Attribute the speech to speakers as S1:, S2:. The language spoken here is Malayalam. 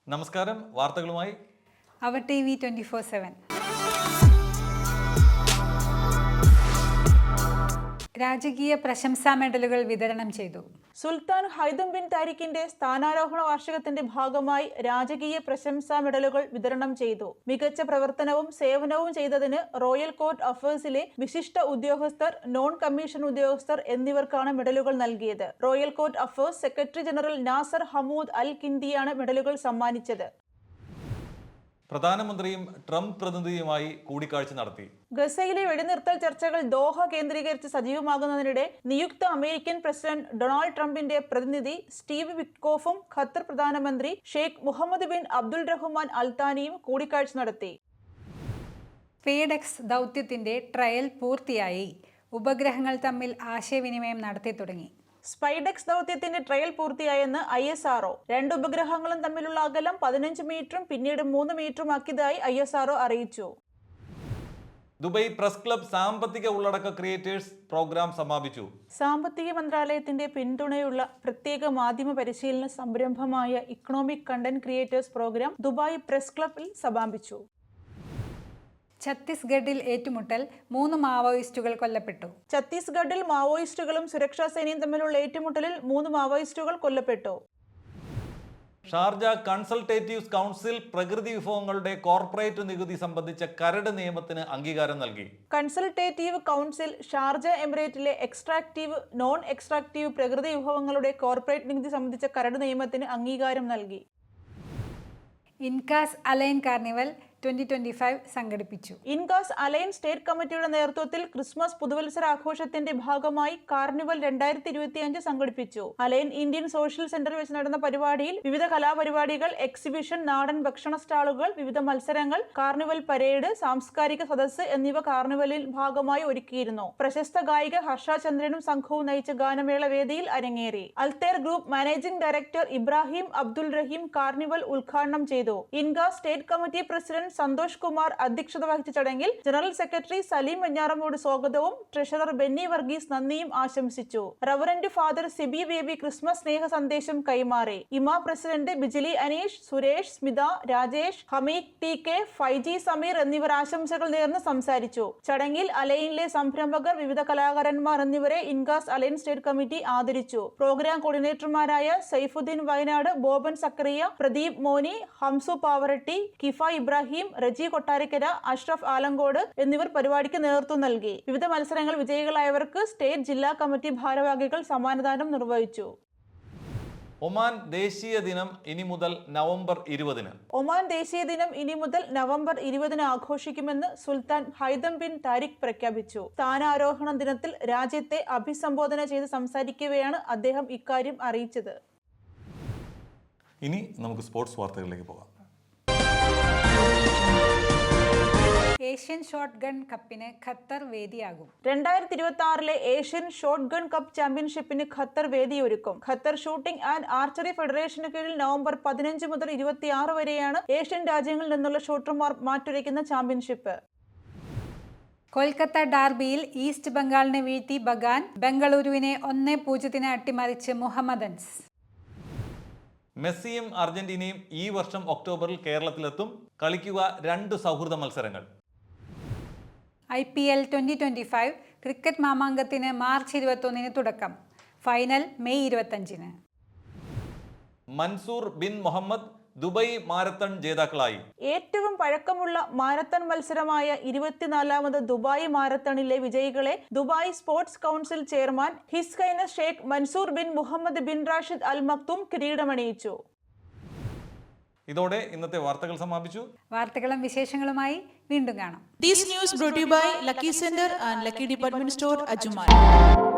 S1: നമസ്കാരം, വാർത്തകളുമായി
S2: അവർ TV 24/7. രാജകീയ പ്രശംസാ മെഡലുകൾ വിതരണം ചെയ്തു.
S3: സുൽത്താൻ ഹൈതം ബിൻ താരിഖിന്റെ സ്ഥാനാരോഹണ വാർഷികത്തിന്റെ ഭാഗമായി രാജകീയ പ്രശംസാ മെഡലുകൾ വിതരണം ചെയ്തു. മികച്ച പ്രവർത്തനവും സേവനവും ചെയ്തതിന് റോയൽ കോർട്ട് അഫയേഴ്സിലെ വിശിഷ്ട ഉദ്യോഗസ്ഥർ, നോൺ കമ്മീഷൻ ഉദ്യോഗസ്ഥർ എന്നിവർക്കാണ് മെഡലുകൾ നൽകിയത്. Royal court affairs secretary general Nasser Hamood Al കിന്ദിയാണ് മെഡലുകൾ സമ്മാനിച്ചത്.
S1: പ്രധാനമന്ത്രിയും ട്രംപ് പ്രതിനിധിയുമായി കൂടിക്കാഴ്ച നടത്തി.
S3: ഗസയിലെ വെടിനിർത്തൽ ചർച്ചകൾ ദോഹ കേന്ദ്രീകരിച്ച് സജീവമാകുന്നതിനിടെ നിയുക്ത അമേരിക്കൻ പ്രസിഡന്റ് ഡൊണാൾഡ് ട്രംപിന്റെ പ്രതിനിധി സ്റ്റീവ് വിറ്റ്കോഫും ഖത്തർ പ്രധാനമന്ത്രി Sheikh Mohammed bin Abdul Rahman അൽത്താനിയും കൂടിക്കാഴ്ച നടത്തി.
S2: ഫേഡെക്സ് ദൗത്യത്തിന്റെ ട്രയൽ പൂർത്തിയായി. ഉപഗ്രഹങ്ങൾ തമ്മിൽ ആശയവിനിമയം നടത്തി തുടങ്ങി.
S3: സ്പൈഡെക്സ് ദൗത്യത്തിന്റെ ട്രയൽ പൂർത്തിയായെന്ന് ISRO. 2 ഉപഗ്രഹങ്ങളും തമ്മിലുള്ള അകലം 15 മീറ്ററും പിന്നീട് 3 മീറ്ററും ആക്കിയതായി ISRO അറിയിച്ചു.
S1: ദുബായ് പ്രസ് ക്ലബ് സാമ്പത്തിക ഉള്ളടക്ക ക്രിയേറ്റേഴ്സ് പ്രോഗ്രാം സമാപിച്ചു.
S3: സാമ്പത്തിക മന്ത്രാലയത്തിന്റെ പിന്തുണയുള്ള പ്രത്യേക മാധ്യമ പരിശീലന സംരംഭമായ economic content creators programme Dubai press ക്ലബിൽ സമാപിച്ചു.
S2: ഛത്തീസ്ഗഡിൽ ഏറ്റുമുട്ടൽ, 3 മാവോയിസ്റ്റുകൾ കൊല്ലപ്പെട്ടു.
S3: ഛത്തീസ്ഗഡിൽ മാവോയിസ്റ്റുകളും സുരക്ഷാ സേനയും തമ്മിലുള്ള ഏറ്റുമുട്ടലിൽ 3 മാവോയിസ്റ്റുകൾ കൊല്ലപ്പെട്ടു.
S1: ഷാർജ കൺസൾട്ടേറ്റീവ് കൗൺസിൽ പ്രകൃതി വിഭവങ്ങളുടെ കോർപ്പറേറ്റ് നികുതി സംബന്ധിച്ച കരട് നിയമത്തിന് അംഗീകാരം നൽകി.
S3: കൺസൾട്ടേറ്റീവ് കൗൺസിൽ ഷാർജ എമിറേറ്റിലെ എക്സ്ട്രാക്റ്റീവ്, നോൺ എക്സ്ട്രാക്റ്റീവ് പ്രകൃതി വിഭവങ്ങളുടെ കോർപ്പറേറ്റ് നികുതി സംബന്ധിച്ച കരട് നിയമത്തിന് അംഗീകാരം നൽകി.
S2: ഇൻകാസ് അലൈൻ കാർണിവൽ 2025 സംഘടിപ്പിച്ചു.
S3: ഇൻകാസ് അലൈൻ സ്റ്റേറ്റ് കമ്മിറ്റിയുടെ നേതൃത്വത്തിൽ ക്രിസ്മസ് പുതുവത്സര ആഘോഷത്തിന്റെ ഭാഗമായി കാർണിവൽ 2025 സംഘടിപ്പിച്ചു. അലൈൻ ഇന്ത്യൻ സോഷ്യൽ സെന്ററിൽ വെച്ച് നടന്ന പരിപാടിയിൽ വിവിധ കലാപരിപാടികൾ, എക്സിബിഷൻ, നാടൻ ഭക്ഷണ സ്റ്റാളുകൾ, വിവിധ മത്സരങ്ങൾ, കാർണിവൽ പരേഡ്, സാംസ്കാരിക സദസ്സ് എന്നിവ കാർണിവലിൽ ഭാഗമായി ഒരുക്കിയിരുന്നു. പ്രശസ്ത ഗായിക ഹർഷ ചന്ദ്രനും സംഘവും നയിച്ച ഗാനമേള വേദിയിൽ അരങ്ങേറി. അൽത്തേർ group managing director Ibrahim Abdul Raheem carnival ഉദ്ഘാടനം ചെയ്തു. INCAS state committee president Santhosh Kumar അധ്യക്ഷത വഹിച്ച ചടങ്ങിൽ ജനറൽ സെക്രട്ടറി സലീം വെഞ്ഞാറമ്മൂട് സ്വാഗതവും ട്രഷറർ ബെന്നി വർഗീസ് നന്ദിയും ആശംസിച്ചു. Reverend father Siby Baby Christmas സ്നേഹ സന്ദേശം കൈമാറി. ഇമാ പ്രസിഡന്റ് ബിജിലി അനീഷ്, സുരേഷ്, സ്മിത, രാജേഷ്, ഹമീദ് TK, ഫൈജി സമീർ എന്നിവർ ആശംസകൾ നേർന്ന് സംസാരിച്ചു. ചടങ്ങിൽ അലൈനിലെ സംരംഭകർ, വിവിധ കലാകാരന്മാർ എന്നിവരെ ഇൻകാസ് അലൈൻ സ്റ്റേറ്റ് കമ്മിറ്റി ആദരിച്ചു. പ്രോഗ്രാം കോർഡിനേറ്റർമാരായ സൈഫുദ്ദീൻ വയനാട്, ബോബൻ സക്കറിയ, പ്രദീപ് മോനി, ഹംസു പാവറട്ടി, കിഫ ഇബ്രാഹിം, റജി കൊട്ടാരക്കര, അഷ്റഫ് ആലങ്കോട് എന്നിവർ പരിപാടിക്ക് നേതൃത്വം നൽകി. വിവിധ മത്സരങ്ങൾ വിജയികളായവർക്ക് സ്റ്റേറ്റ്, ജില്ലാ കമ്മിറ്റി ഭാരവാഹികൾ സമ്മാനദാനം നിർവഹിച്ചു.
S1: ഒമാൻ ദേശീയ ദിനം ഇനി മുതൽ നവംബർ 20-ന്.
S3: ഒമാൻ ദേശീയ ദിനം ഇനി മുതൽ നവംബർ 20-ന് ആഘോഷിക്കുമെന്ന് സുൽത്താൻ ഹൈതം ബിൻ താരിഖ് പ്രഖ്യാപിച്ചു. സ്ഥാനാരോഹണ ദിനത്തിൽ രാജ്യത്തെ അഭിസംബോധന ചെയ്ത് സംസാരിക്കവെയാണ് അദ്ദേഹം ഇക്കാര്യം അറിയിച്ചത്.
S1: ഇനി നമുക്ക് സ്പോർട്സ് വാർത്തകളിലേക്ക് പോകാം.
S2: ഏഷ്യൻ ഷോട്ട് ഗൺ കപ്പിന് ഖത്തർ വേദിയാകും.
S3: 2026 ഏഷ്യൻ ഷോട്ട് ഗൺ കപ്പ് ചാമ്പ്യൻഷിപ്പിന് ഖത്തർ വേദിയൊരുക്കും. ഖത്തർ ഷൂട്ടിംഗ് ആൻഡ് ആർച്ചറി ഫെഡറേഷന് കീഴിൽ നവംബർ 15 മുതൽ 26 വരെയാണ് ഏഷ്യൻ രാജ്യങ്ങളിൽ നിന്നുള്ള ഷൂട്ടർമാർ മാറ്റുരയ്ക്കുന്ന ചാമ്പ്യൻഷിപ്പ്.
S2: കൊൽക്കത്ത ഡാർബിയിൽ ഈസ്റ്റ് ബംഗാളിനെ വീഴ്ത്തി ബഗാൻ. ബംഗളൂരുവിനെ 1-0 അട്ടിമറിച്ച് മുഹമ്മദൻസ്.
S1: മെസ്സിയും അർജന്റീനയും ഈ വർഷം ഒക്ടോബറിൽ കേരളത്തിലെത്തും. കളിക്കുക 2 സൗഹൃദ മത്സരങ്ങൾ.
S2: IPL 2025 ക്രിക്കറ്റ് മാമാങ്കത്തിന് മാർച്ച് 21-ന് തുടക്കം. ഫൈനൽ മെയ് 25-ന്.
S1: Mansoor bin Mohammed Dubai marathon ജേതാക്കളായി.
S3: ഏറ്റവും പഴക്കമുള്ള മാരത്തൺ മത്സരമായ 24ാമത് ദുബായ് മാരത്തണിലെ വിജയികളെ Dubai sports council chairman His Highness Sheikh Mansoor bin Mohammed bin Rashid Al Maktoum കിരീടമണിയിച്ചു.
S1: ഇതോടെ ഇന്നത്തെ വാർത്തകൾ സമാപിച്ചു.
S2: വാർത്തകളും വിശേഷങ്ങളുമായി വീണ്ടും കാണാം.
S4: This news brought to you by Lucky Center and Lucky Department Store, Ajmal.